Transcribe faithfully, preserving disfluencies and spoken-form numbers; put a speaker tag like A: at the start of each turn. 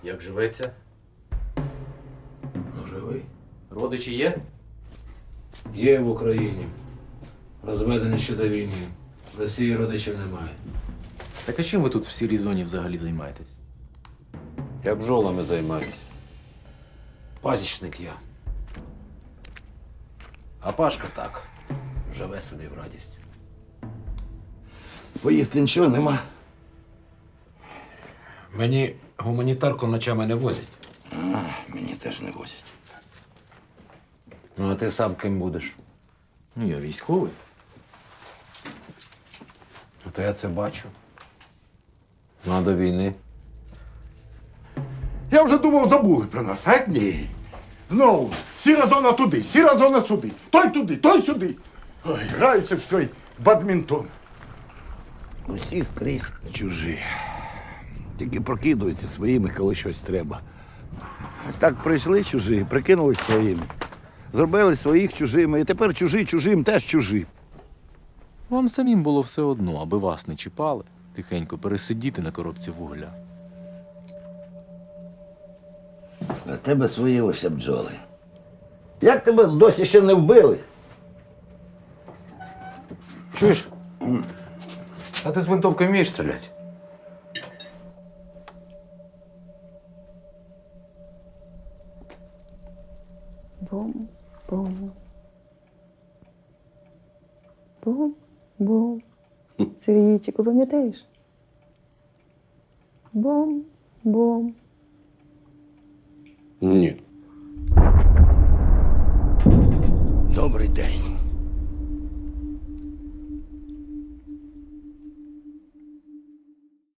A: Як живеться?
B: Ну, живий.
A: Родичі є?
B: Є в Україні. Розведений ще до війни. В Росії родичів немає.
A: Так а чим ви тут в сірій зоні взагалі займаєтесь?
B: Я бджолами займаюся. Пасічник я. А Пашка так. Живе собі в радість.
C: Поїсти нічого нема.
B: Мені гуманітарку ночами не возять.
C: А, мені теж не возять.
B: Ну, а ти сам ким будеш?
A: Ну, я військовий.
B: Ну, то я це бачу. Ну, а до війни.
C: Я вже думав, забули про нас, а ні. Знову сіра зона туди, сіра зона сюди. Той туди, той сюди. Ой, граються в свій бадмінтон.
D: Усі скрізь чужі. Тільки прокидуються своїми, коли щось треба. Ось так прийшли чужі, прикинулись своїми. Зробили своїх чужими, і тепер чужі чужим теж чужі.
A: Вам самим було все одно, аби вас не чіпали, тихенько пересидіти на коробці вугля.
D: А тебе свої лише бджоли. Як тебе досі ще не вбили?
B: Чуєш? А ти з винтовкою вмієш стріляти?
E: Бум, бум. Бум, бум. Сергійчику, пам'ятаєш? Бум, бум.
B: Ні.